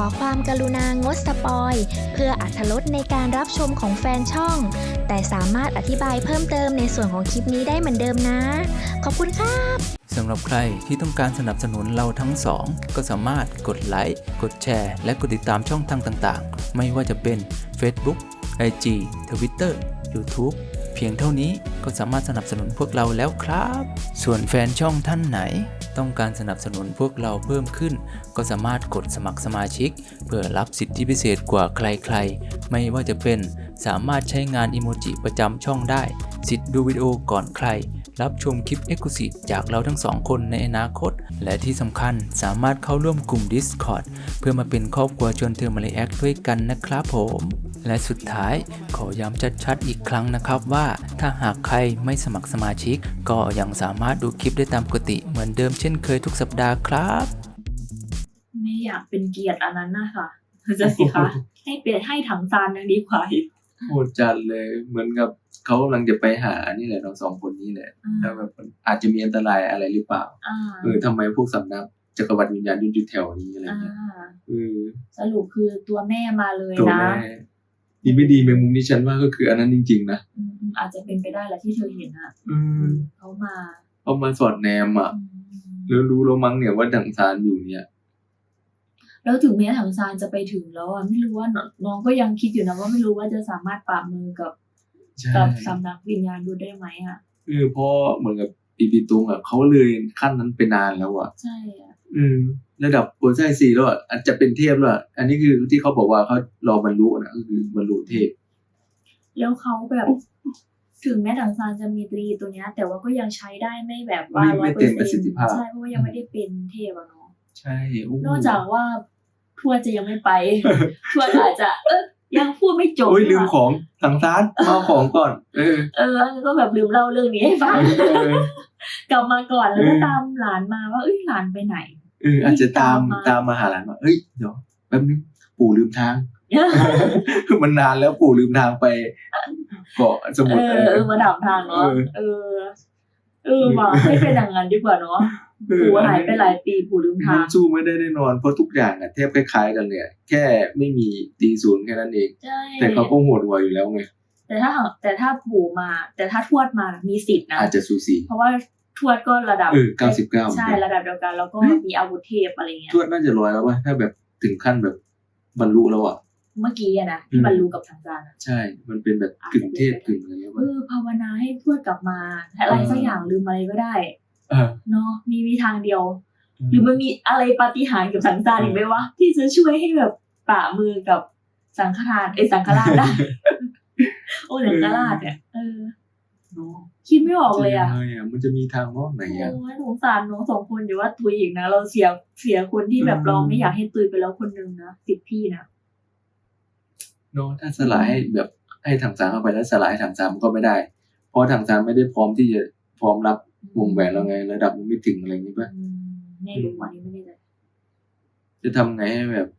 ความกรุณางดสปอยเพื่ออรรถรสในการรับชมของแฟนช่องแต่สามารถอธิบายเพิ่มเติมในส่วนของคลิปนี้ได้เหมือนเดิมนะขอบคุณครับสำหรับใครที่ต้องการสนับสนุนเราทั้งสองก็สามารถกดไลค์กดแชร์และกดติดตามช่องทางต่างๆไม่ว่าจะเป็น Facebook IG Twitter YouTube เพียงเท่านี้ก็สามารถสนับสนุนพวกเราแล้วครับส่วนแฟนช่องท่านไหนต้องการสนับสนุนพวกเราเพิ่มขึ้นก็สามารถกดสมัครสมาชิกเพื่อรับสิทธิพิเศษกว่าใครๆไม่ว่าจะเป็นสามารถใช้งานอิโมจิประจำช่องได้สิทธิ์ดูวิดีโอก่อนใครรับชมคลิป Exclusive จากเราทั้งสองคนในอนาคตและที่สำคัญสามารถเข้าร่วมกลุ่ม Discord เพื่อมาเป็นครอบครัวชวนเธอมาเลแอคด้วยกันนะครับผมและสุดท้ายขอย้ำชัดๆอีกครั้งนะครับว่าถ้าหากใครไม่สมัครสมาชิกก็ยังสามารถดูคลิปได้ตามปกติเหมือนเดิมเช่นเคยทุกสัปดาห์ครับไม่อยากเป็นเกียรติอันนั้นนะคะจะสิคะให้เป็นให้ถังซานยังดีกว่าอีกโหดจัดเลยเหมือนกับเขากำลังจะไปหานี่แหละทั้งสองคนนี้แหละแล้วแบบอาจจะมีอันตรายอะไรหรือเปล่าทำไมพวกสำนักจักรวรรดิวิญญาณอยู่แถวนี้อะไรเงี้ยสรุปคือตัวแม่มาเลยนะตัวแม่ดีไม่ดีแมงมุมนี่ฉันว่าก็คืออันนั้นจริงๆนะอาจจะเป็นไปได้แหละที่เธอเห็นอะเขามาสอดแนมอ่ะแล้วรู้แล้วมั้งเนี่ยว่าถังซานอยู่เนี่ยแล้วถึงแม้ถังซานจะไปถึงแล้วอ่ะไม่รู้ว่าน้องก็ยังคิดอยู่นะว่าไม่รู้ว่าจะสามารถปราบมือกับสำนักวิญญาณดูได้ไหมอ่ะเพราะเหมือนกับปีปีตุงอ่ะเขาเลยขั้นนั้นไปนานแล้วอ่ะใช่อ่ะระดับโปรไซซีแล้วอ่ะอาจจะเป็นเทพแล้วอันนี้คือที่เขาบอกว่าเขารอบรรลุนะก็คือบรรลุเทพแล้วเขาแบบถึงแม้ถังซานจะมีตรีตัวเนี้ยแต่ว่าก็ยังใช้ได้ไม่แบบว่า 100% ใช่เพราะว่ายังไม่ได้เป็นเทพอ่ะเนาะใช่นอกจากว่าทวดจะยังไม่ไปทวดอาจจะยังพูดไม่จบลืมของถังซานเอาของก่อนก็แบบลืมเล่าเรื่องนี้ให้ฟังกลับมาก่อนแล้วก็ตามหลานมาว่าหลานไปไหนอาจจะตามมาหาหลานว่าเดี๋ยวแป๊บนึงปู่ลืมทางมันนานแล้วปู่ลืมทางไปเกาะสมุทรมาถามทางเนาะมาให้เป็นอย่างนั้นดีกว่าเนาะปู่หายไปหลายปีปู่ลืมทางสู้ไม่ได้แน่นอนเพราะทุกอย่างแทบคล้ายๆกันเลยแค่ไม่มีตีศูนย์แค่นั้นเองแต่เขาก็โหดหัวอยู่แล้วไงแต่ถ้าปู่มาแต่ถ้าทวดมามีสิทธิ์นะอาจจะสูสีเพราะว่าทวดก็ระดับ 99 ใช่ระดับเดียวกันแล้วก็มีอาวุธเทพอะไรเงี้ยทวดน่าจะ100แล้วป่ะถ้าแบบถึงขั้นแบบบรรลุแล้วอ่ะเมื่อกี้นะที่บรรลุกับถังซานใช่มันเป็นแบบกึ่งเทพกึ่งอะไรเงี้ยภาวนาให้ทวดกลับมาอะไรสักอย่างลืมอะไรก็ได้เนาะมีทางเดียวหรือมันมีอะไรปาฏิหาริย์กับถังซานอีกไหมวะที่จะช่วยให้แบบปะมือกับสังฆราชได้โอ้สังฆราชเนี่ยคิดไม่ออกเลยอ่ะมันจะมีทางรอดไหนอ่ะโอ้ยสงสารน้องสองคนอยู่ว่าตุยอีกนะเราเสียคนที่แบบเราไม่อยากให้ตุยไปแล้วคนนึงนะติดพี่นะถ้าสลายให้แบบให้ถังซานเข้าไปแล้วสลายถังซานมันก็ไม่ได้เพราะถังซานไม่ได้พร้อมที่จะพร้อมรับวงแหวนแล้วไงระดับมันไม่ถึงอะไรอย่างนี้ป่ะไม่รู้วันนี้ไม่ได้จะทำไงให้แบบ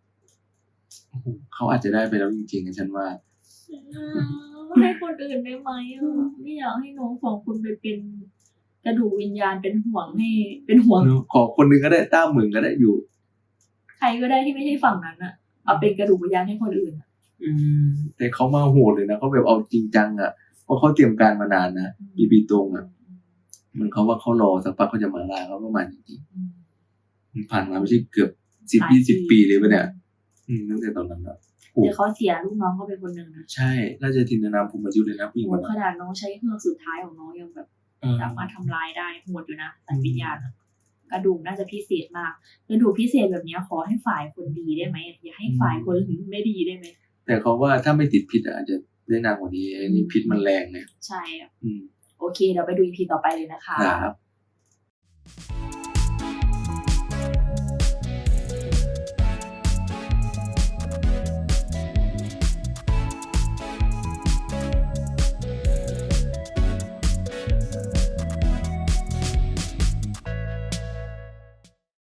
เขาอาจจะได้ไปแล้วจริงๆฉันว่าให้คนอื่นได้ไหมไม่อยากให้น้องสองคนไปเป็นกระดูกวิญญาณเป็นห่วงให้เป็นห่วงขอคนนึงก็ได้ต้าหมื่นก็ได้อยู่ใครก็ได้ที่ไม่ใช่ฝั่งนั้นอ่ะเอาเป็นกระดูกวิญญาณให้คนอื่นแต่เขามาโหดเลยนะเขาแบบเอาจริงจังอ่ะเพราะเขาเตรียมการมานานนะปีตรงอ่ะมันเขาว่าเขารอสักพักเขาจะมาลาเขาประมาณจริงๆผ่านมาไม่ใช่เกือบ10-20 ปีเลยป่ะเนี่ยตั้งแต่ตอนนั้นแล้วเดี๋ยวเขาเสียลูกน้องก็เป็นคนหนึ่งนะใช่ราชทินนามภูมิยุทธเลยนะผู้หญิงคนนั้นขนาดน้องใช้เครื่องสุดท้ายของน้องยังแบบสามารถทำลายได้โหดอยู่นะแต่วิญญาณกระดูกน่าจะพิเศษมากกระดูกพิเศษแบบนี้ขอให้ฝ่ายคนดีได้ไหมอย่าให้ฝ่ายคนไม่ดีได้ไหมแต่เขาว่าถ้าไม่ติดพิษอาจจะได้นานกว่านี้นี่พิษมันแรงไงใช่โอเคเดี๋ยวไปดู EP ต่อไปเลยนะคะครับ